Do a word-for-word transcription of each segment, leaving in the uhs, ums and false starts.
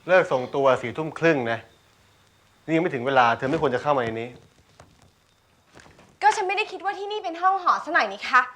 เลิกส่งตัวสี่ทุ่มครึ่งนะนี่ยังไม่ถึงเวลาเธอไม่ควรจะเข้ามาในนี้ก็ฉันไม่ได้คิดว่าที่นี่เป็นห้องหอซะหน่อยนี่คะ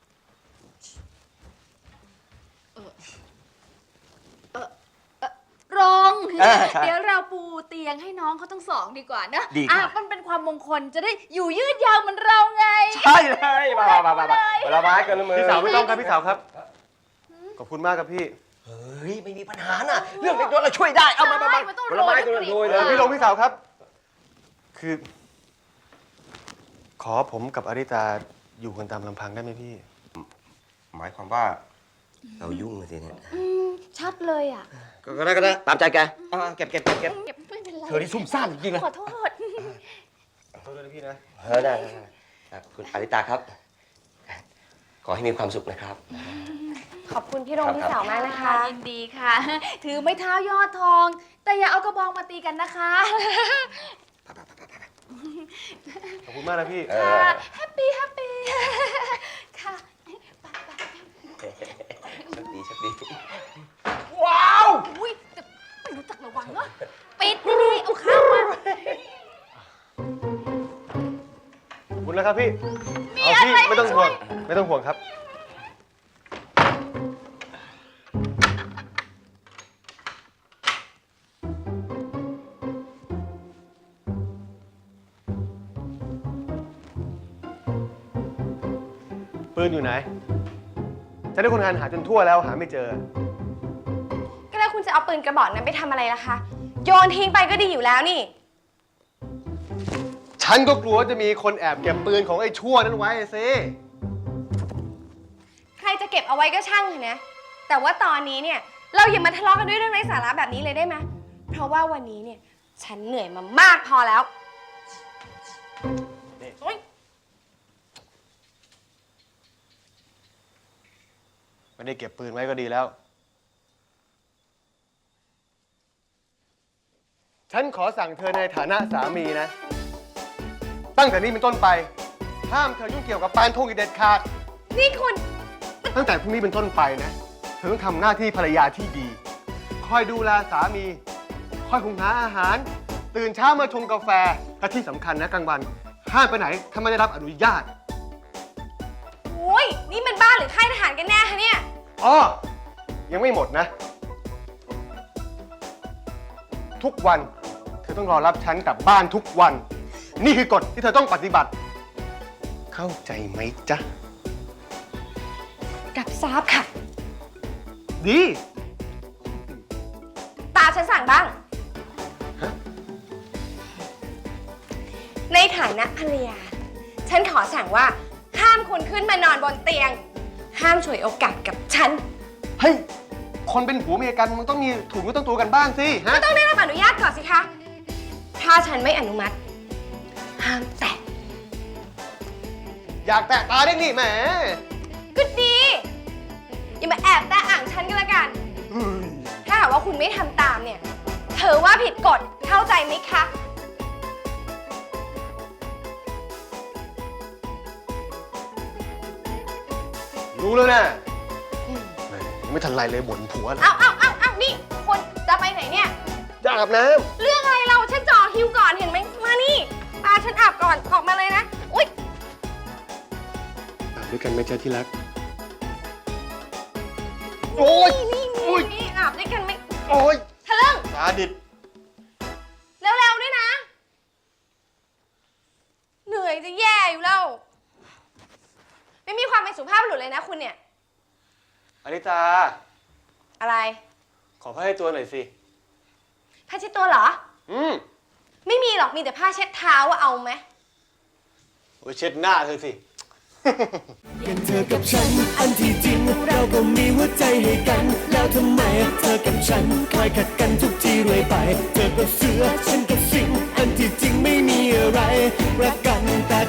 รองเดี๋ยวเราปูเตียงให้น้องเขาทั้งสองดีกว่านะอ่ะมันเป็นความมงคลจะได้อยู่ยืดยาวเหมือนเราไงใช่เลยมามามามาเวลาไม้กันมือพี่สาวไม่ต้องครับพี่สาวครับขอบคุณมากครับพี่เฮ้ยไม่มีปัญหาน่ะเรื่องเล็กน้อยเราช่วยได้เอามามามาเวลาไม้กันโรยเลยพี่ลงพี่สาวครับคือ ขอผมกับอริตาอยู่กันตามลำพังได้ไหมพี่หมายความว่าเรายุ่งสิเนี่ยชัดเลยอ่ะก็ได้ก็ได้ตามใจแกเก็บเก็บเก็บเก็บเก็บไม่เป็นไรเธอที่ซุ่มซ่ามจริงๆนะขอโทษขอโทษด้วยพี่นะเออได้คุณอริตาครับขอให้มีความสุขนะครับขอบคุณพี่รงพี่สาวมากนะคะยินดีค่ะถือไม้เท้ายอดทอง แต่อย่าเอากระบองมาตีกันนะคะขอบคุณมากนะพี่ค่ะแฮปปี้แฮปปี้ค่ะโชคดีโชคดีว้าวอุ้ยแต่ไม่รู้จักระวังเนาะปิดดีๆเอาข้าวมาขอบคุณนะครับพี่เอาพี่ไม่ต้องห่วงไม่ต้องห่วงครับปืนอยู่ไหนฉันได้คนงานหาจนทั่วแล้วหาไม่เจอก็แล้วคุณจะเอาปืนกระบอกนั้นไปทำอะไรล่ะคะโยนทิ้งไปก็ดีอยู่แล้วนี่ฉันก็กลัวจะมีคนแอบเก็บปืนของไอ้ชั่วนั้นไว้สิใครจะเก็บเอาไว้ก็ช่างเถอะนะแต่ว่าตอนนี้เนี่ยเราอย่ามาทะเลาะกันด้วยเรื่องไร้สาระแบบนี้เลยได้ไหมเพราะว่าวันนี้เนี่ยฉันเหนื่อยมามากพอแล้วไม่ได้เก็บปืนไว้ก็ดีแล้วฉันขอสั่งเธอในฐานะสามีนะตั้งแต่นี้เป็นต้นไปห้ามเธอยุ่งเกี่ยวกับปานธงอีกเด็ดขาดนี่คุณตั้งแต่พรุ่งนี้เป็นต้นไปนะเธอต้องทำหน้าที่ภรรยาที่ดีคอยดูแลสามีคอยหุงหาอาหารตื่นเช้ามาชงกาแฟและที่สำคัญนะกลางวันห้ามไปไหนถ้าไม่ได้รับอนุญาตโอ้ยนี่มันบ้านหรือค่ายทหารกันแน่คะเนี่ยอ๋อยังไม่หมดนะทุกวันเธอต้องรอรับฉันกลับบ้านทุกวันนี่คือกฎที่เธอต้องปฏิบัติเข้าใจไหมจ๊ะกับทราบค่ะดีตาฉันสั่งบ้างในฐานะภรรยาฉันขอสั่งว่าห้ามคุณขึ้นมานอนบนเตียงห้ามฉวยโอกาสกับฉันเฮ้ยคนเป็นผัวเมียกันมันต้องมีถูกก็ต้องตัวกันบ้างสิฮะก็ต้องได้รับอนุญาตก่อนสิคะถ้าฉันไม่อนุมัติห้ามแตะอยากแตะตาได้นี่แหมก็ดีอย่ามาแอบแตะอ่างฉันก็แล้วกันถ้าหากว่าคุณไม่ทำตามเนี่ยเธอว่าผิดกฎเข้าใจไหมคะรู้แล้วนะไม่ทันไรเลยบ่นผัวเลยเอาเอาเอาเอานี่คุณจะไปไหนเนี่ยจะอาบน้ำเรื่องอะไรเราฉันจ่อคิวก่อนเห็นไหมมานี่ตาฉันอาบก่อนออกมาเลยนะอุ๊ยอาบด้วยกันไหมจ๊ะที่รักโอ๊ยนี่นี่นี่อาบด้วยกันไหมโอ๊ยทะลึ่งตาดิดเร็วๆด้วยนะเหนื่อยจะแย่อยู่แล้วไม่มีความเป็นสุภาพบุรุษเลยนะคุณเนี่ยอริตาอะไรขอผ้าให้ตัวหน่อยสิผ้าเช็ดตัวเหรออืมไม่มีหรอกมีแต่ผ้าเช็ดเท้าว่าเอาไหมโอ้ยเช็ดหน้าเธอสิกันเธอกับฉันอันที่จริงเราก็มีหัวใจให้กันแล้วทำไมเธอกับฉันคอยขัดกันทุกทีเรื่อยไปเธอกับเสือฉันกับสิงอันที่จริงไม่มีอะไรรักกันแต่